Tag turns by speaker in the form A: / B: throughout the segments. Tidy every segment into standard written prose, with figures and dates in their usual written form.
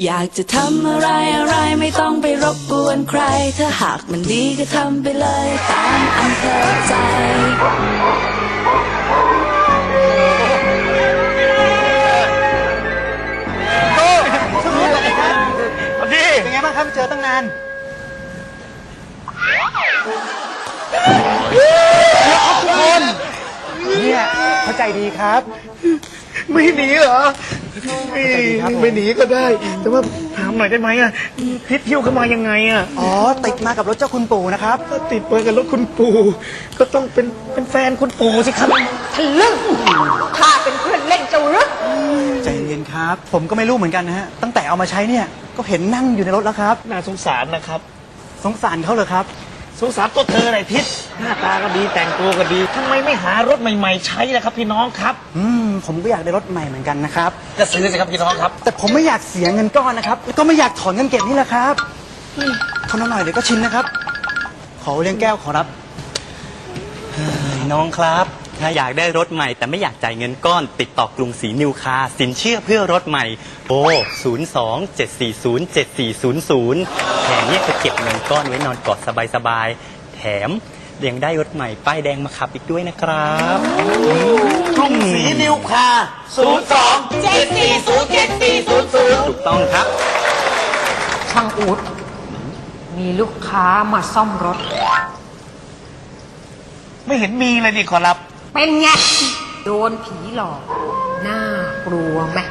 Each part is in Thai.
A: อยากจะทำอะไรอะไรไม่ต้องไปรบกวนใครถ้าหากมันดีก็ทำไปเลยตามอำเภอใจ
B: ดีเป็นไงบ้างครับเจอตั้งนานทุกคนเนี่ยเข้าใจดีครับไม่หนีเหรอไม่หนีก็ได้แต่ว่าถามหน่อยได้ไหมอ่ะพิษหิ้วเข้ามายังไงอ่ะอ๋อติดมากับรถเจ้าคุณปู่นะครับถ้าติดมากับรถคุณปู่ก็ต้องเป็นแฟนคุณปู่สิครับ
C: ทะลึ่งข้าเป็นเพื่อนเล่นเจ้าหรือ
B: ใจเย็นครับผมก็ไม่รู้เหมือนกันนะฮะตั้งแต่เอามาใช้เนี่ยก็เห็นนั่งอยู่ในรถแล้วครับน่าสงสารนะครับสงสารเขาเหรอครับสงสารตัวเธอไหนพิษหน้าตาก็ดีแต่งตัวก็ดีทำไมไม่หารถใหม่ๆใช้ล่ะครับพี่น้องครับผมก็อยากได้รถใหม่เหมือนกันนะครับจะซื้อสิครับพี่น้องครับแต่ผมไม่อยากเสียเงินก้อนนะครับแล้วก็ไม่อยากถอนเงินเก็บนี่แหละครับทนหน่อยเดี๋ยวก็ชินนะครับขอเลี้ยงแก้วขอรับ
D: น้องครับถ้าอยากได้รถใหม่แต่ไม่อยากจ่ายเงินก้อนติดต่อกรุงศรีนิวคาร์สินเชื่อเพื่อรถใหม่โทร02-740-7400แถมเนี่ยจะเก็บเงินก้อนไว้นอนกอดสบายๆแถมยังได้รถใหม่ป้ายแดงมาขับอีกด้วยนะครับ
B: กรุงศรีนิวคาร์
D: 02-740-7400ถูกต้องครับ
C: ช่างอูดมีลูกค้ามาซ่อมรถ
B: ไม่เห็นมีเลยนี่ขอรับ
C: เป็นไงโดนผีหลอกน่ากลัวไหม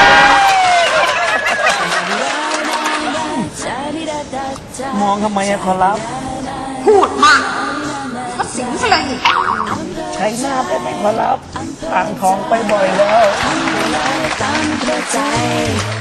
B: มองทำไมอะขอรับ
C: พูดมากก็สิงเลย
B: ใช้หน้าไปไหมขอรับอ่างทองไปบ่อยแล้ว